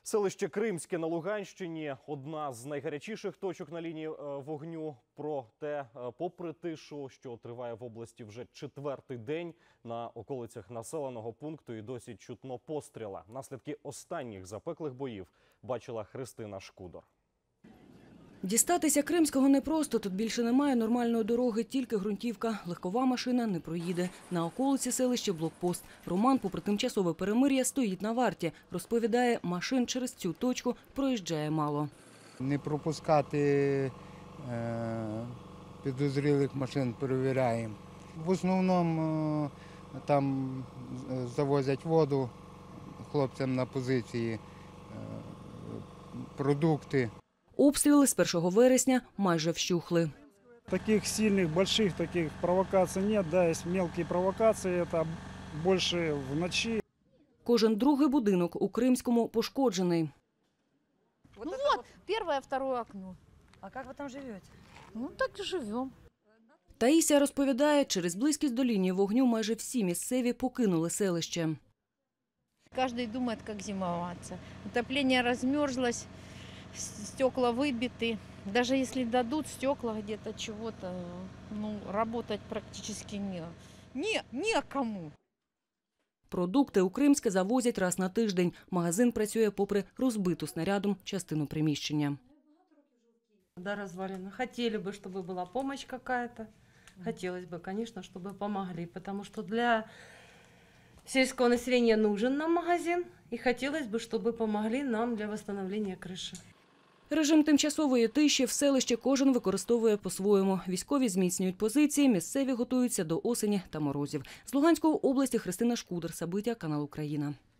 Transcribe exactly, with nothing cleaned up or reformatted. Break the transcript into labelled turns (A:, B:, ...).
A: Селище Кримське на Луганщині – одна з найгарячіших точок на лінії вогню. Проте, попри тишу, що триває в області вже четвертий день, на околицях населеного пункту і досі чутно постріла. Наслідки останніх запеклих боїв бачила Христина Шкудор.
B: Дістатися Кримського непросто. Тут більше немає нормальної дороги, тільки ґрунтівка. Легкова машина не проїде. На околиці селища блокпост. Роман, попри тимчасове перемир'я, стоїть на варті. Розповідає, машин через цю точку проїжджає мало.
C: Не пропускати е, підозрілих машин перевіряємо. В основному е, там завозять воду хлопцям на позиції, е, продукти.
B: Обстріли з першого вересня майже вщухли.
D: Таких сильных, больших таких провокаций нет. Да, есть мелкие провокации, это больше вночі.
B: Кожен другий будинок у Кримському пошкоджений.
E: Ну вот, первое, второе окно.
F: А как вы там живете?
E: Ну так и живем.
B: Таїсія розповідає, через близькість до лінії вогню майже всі місцеві покинули селище.
E: Каждый думает, как зимоваться. Отопление размерзлось, стекла выбиты. Даже если дадут стекла где-то чего-то, ну, работать практически не, не, некому.
B: Продукти у Кримське завозять раз на тиждень. Магазин працює попри розбиту снарядом частину приміщення.
F: Да, развалина. Хотели бы, чтобы была помощь какая-то. Хотелось бы, конечно, чтобы помогли, потому что для сельского населения нужен нам магазин. И хотелось бы, чтобы помогли нам для восстановления крыши.
B: Режим тимчасової тиші в селищі кожен використовує по-своєму. Військові зміцнюють позиції, місцеві готуються до осені та морозів. З Луганської області Христина Шкудор, Сабиття, канал Україна.